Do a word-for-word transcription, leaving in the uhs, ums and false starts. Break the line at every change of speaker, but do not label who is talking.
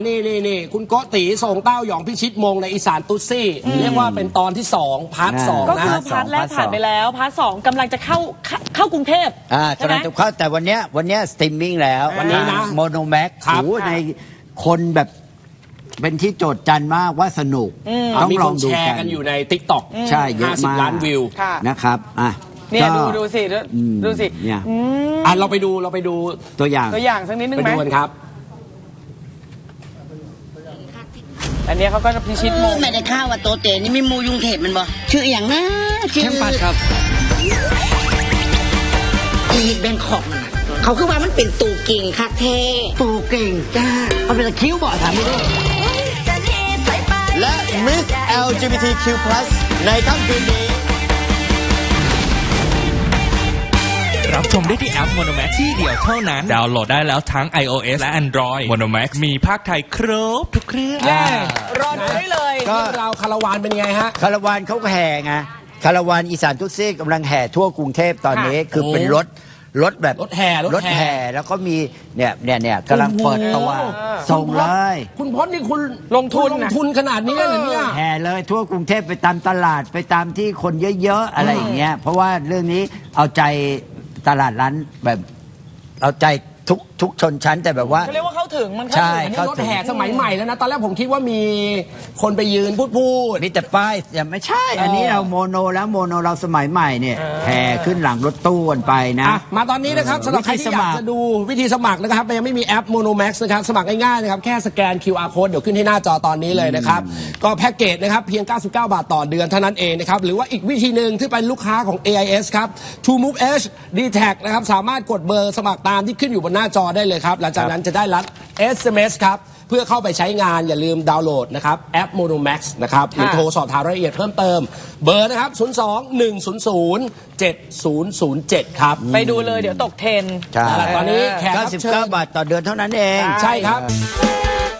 นี่นี่นี่คุณโกติส่งเต้าหยองพิชิตมงในอีสานตุ๊ดซี่เรียกว่าเป็นตอนที่สองพาร์ทสอง
ก็
นะ
คือพาร์ทแรกผ่านไปแล้วพาร์ทสองกำลังจะเข้าเข้ากรุงเทพ
อ่า
ใช่
กำ
ไหม
ลังจะเข้าแต่วันเนี้ยวันเนี้ยสตรีมมิ่งแล้ว
วันนี้นะ
โมโนแม็ก
ครับ
โอ้ในคนแบบเป็นที่โจทย์จันมากว่าสนุก ต้อง
มี
ล
ค
อง
น
ดู
แช
กั
ร์
น
กันอยู่ในติ๊กต็อก
ใช่เยอะ
ห้าสิบ
มาก
ล้านวิว
ค่ะ
นะครับอ่ะ
เนี่ย
ก็
ดูดูสิดู
อืม
ดูสิ
เนี่ย
อืม
อ่ะเราไปดูเราไปดู
ตัวอย่าง
ตัวอย่างสักนิดนึง
ไป
ไหม
ดูกันครับ
อันเนี้ยเขาก็จะพิชิตมง
ไม่ได้ข่าวว่าโตเตนี่มีมูยุงเทพมันบ่ชื่ออย่างนะชื่อ
แชมปัดครับ
ลีดแบงคอกน่ะเขาคือว่ามันเป็นตูเก่งคักแท้ตูเก่งจ้ามันเป็นตะคิ้วบ่ถามไม่ได้
และ Miss แอล จี บี ที คิว พลัส ในค่ำคืนนี้
รับชมได้ที่แอป Monomax ที่เดียวเท่านั้น ดาวน์โหลดได้แล้วทั้ง iOS และ Android Monomax มีภาคไทยครบทุกเครื่อง
แย่รอดูได้เลย
ก็
เรื่องราวคาราวานเป็นยังไงฮะ
คาราวานเขาก็แห่ไงคาราวานอีสานทุกซี่กำลังแห่ทั่วกรุงเทพตอนนี้ คือเป็นรถรถแบบ
รถแห่ร
ร
ถ
ถ
แห่
แห่แล้วก็มีเนี่ยเนี่ยเนี่ยกำลังเปิดตัว
โอ้โห
ส่งเลย
คุณพจน์นี่คุณ
ลงทุน
ลง
นะ
ทุนขนาดนี้เลยเหรอเนี่ย
แห่เลยทั่วกรุงเทพไปตามตลาดไปตามที่คนเยอะๆอะไรอย่างเงี้ยเพราะว่าเรื่องนี้เอาใจตลาดร้านแบบเอาใจทุกทุกชนชั้นแต่แบบว่า
เขาเรียกว่าเข้าถึงมันเข้า
ใช่
ถึง
อันนี้รถแห่สมัยใหม่แล้วนะ ตอนแรกผมคิดว่ามีคนไปยืนพูดพูด
มีแต่ป้ายอย่าไม่ใช่ อันนี้เราโมโนแล้วโมโนเราสมัยใหม่เนี่ยแห่ขึ้นหลังรถตู้กันไปนะ
อ่ะมาตอนนี้นะครับ
เออ
สำหรับใคร
วิธี
ที่
ส
อ
มั
ยาก
คร
จะดูวิธีสมัครนะครับยังไม่มีแอป Monomax นะครับสมัครง่ายๆนะครับแค่สแกน คิว อาร์ Code เดี๋ยวขึ้นที่หน้าจอตอนนี้เลยนะครับก็แพ็กเกจนะครับเพียง เก้าสิบเก้า บาทต่อเดือนเท่านั้นเองนะครับหรือว่าอีกวิธีหนึ่งที่เป็นลูกค้าของ เอ ไอ เอส ครับ TrueMove Edge ดี แท็ก นะครับสามารถกดเบอร์สมัครตามที่ขึ้นอยู่บนหน้าจอได้เลยครับหลังจากนั้นจะได้รับ เอส เอ็ม เอส ครับเพื่อเข้าไปใช้งานอย่าลืมดาวน์โหลดนะครับแอป Monomax นะครับหรือโทรสอบถามรายละเอียดเพิ่มเติมเบอร์นะครับศูนย์ สอง หนึ่ง ศูนย์ ศูนย์ เจ็ด ศูนย์ ศูนย์ เจ็ดครับ
ไปดูเลยเดี๋ยวตกเทรนด์
ใช่
ตอนนี้แขก
เก้า
รับ
สิบ
เชิ
เก้า
ญ
บาทต่อเดือนเท่านั้นเอง
ใช่ครับ
เออ